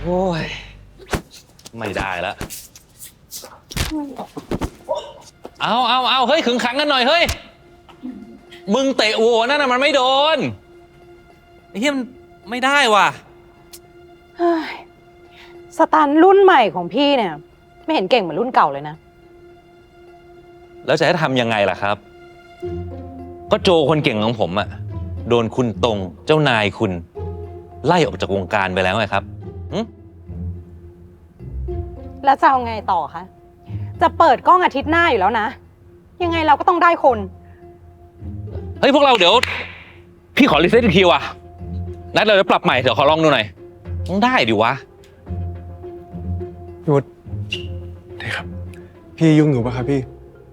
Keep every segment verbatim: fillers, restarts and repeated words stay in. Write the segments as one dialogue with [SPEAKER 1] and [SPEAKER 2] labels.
[SPEAKER 1] อ้ยไม่ได้แล้วเอาเอาเอาเฮ้ยขึงขังกันหน่อยเฮ้ยมึงเตะโว้นั่นน่ะมันไม่โดนไอ้เหี้ยมันไม่ได้ว่ะ
[SPEAKER 2] สตันรุ่นใหม่ของพี่เนี่ยไม่เห็นเก่งเหมือนรุ่นเก่าเลยนะ
[SPEAKER 1] แล้วจะให้ทำยังไงล่ะครับก็โจคนเก่งของผมอะโดนคุณตรงเจ้านายคุณไล่ออกจากวงการไปแล้วไงครับ
[SPEAKER 2] แล้วจะเอาไงต่อคะจะเปิดกล้องอาทิตย์หน้าอยู่แล้วนะยังไงเราก็ต้องได้คน
[SPEAKER 1] เฮ้ยพวกเราเดี๋ยวพี่ขอรีเซ็ตอีกทีว่ะนัดเราจะปรับใหม่เดี๋ยวขอลองดูหน่อยต้องได้ดิวะ
[SPEAKER 3] พี่วุฒินี่ครับพี่ยุ่งอยู่ปะครับพี่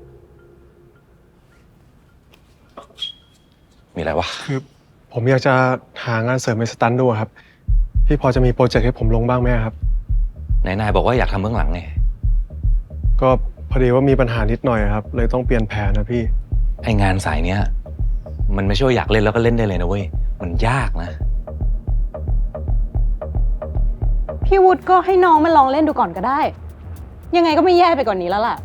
[SPEAKER 1] มีอะไรวะ
[SPEAKER 3] คือผมอยากจะหางานเสริมในสตันดูครับพี่พอจะมีโปรเจกต์ให้ผมลงบ้างไหมครับ
[SPEAKER 1] นายนายบอกว่าอยากทำเบื้องหลังไง
[SPEAKER 3] ก็พอดีว่ามีปัญหานิดหน่อยครับเลยต้องเปลี่ยนแผนนะพี่
[SPEAKER 1] ไองานสายเนี้ยมันไม่ใช่ว่าอยากเล่นแล้วก็เล่นได้เลยนะเว้ยมันยากนะ
[SPEAKER 2] พี่วุฒิก็ให้น้องมาลองเล่นดูก่อนก็ได้ยังไงก็ไม่แย่ไปกว่านนี้แล้วล่ะ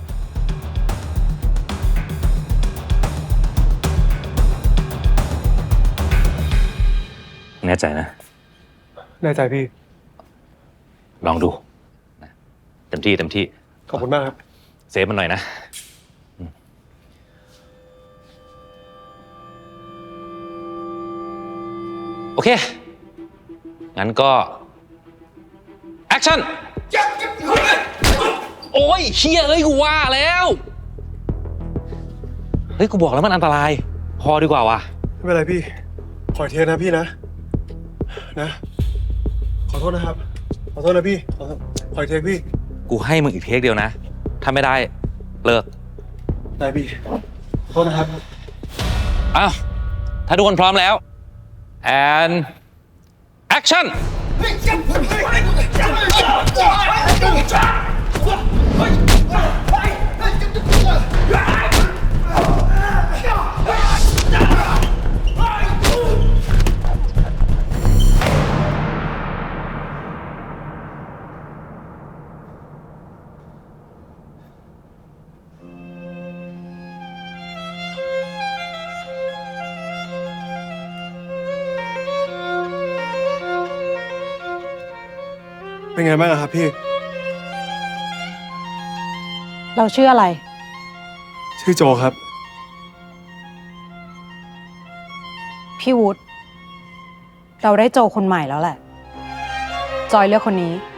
[SPEAKER 1] แน่ใจนะ
[SPEAKER 3] แน่ใจพี่
[SPEAKER 1] ลองดูเต็มที่เต็มที่
[SPEAKER 3] ขอบคุณมากครับ
[SPEAKER 1] เซฟมันหน่อยนะโอเคงั้นก็แอคชั่นโอ้ยเชี่ยเอ้ยกูว่าแล้วเฮ้ยกูบอกแล้วมันอันตรายพอดีกว่าว่ะ
[SPEAKER 3] ไม่เป็นไรพี่ขอเทนะพี่นะนะขอโทษนะครับขอโทษนะพี่ขอขอเทพี่
[SPEAKER 1] กูให้มึงอีกเทคเดียวนะถ้าไม่ได้เลิก
[SPEAKER 3] ได้พี่ขอโทษนะครับ
[SPEAKER 1] อ้าวถ้าทุกคนพร้อมแล้ว and action
[SPEAKER 3] เป็นไงบ้างครับพี่
[SPEAKER 2] เราชื่ออะไร
[SPEAKER 3] ชื่อโจครับ
[SPEAKER 2] พี่วุฒิเราได้โจคนใหม่แล้วแหละจอยเลือกคนนี้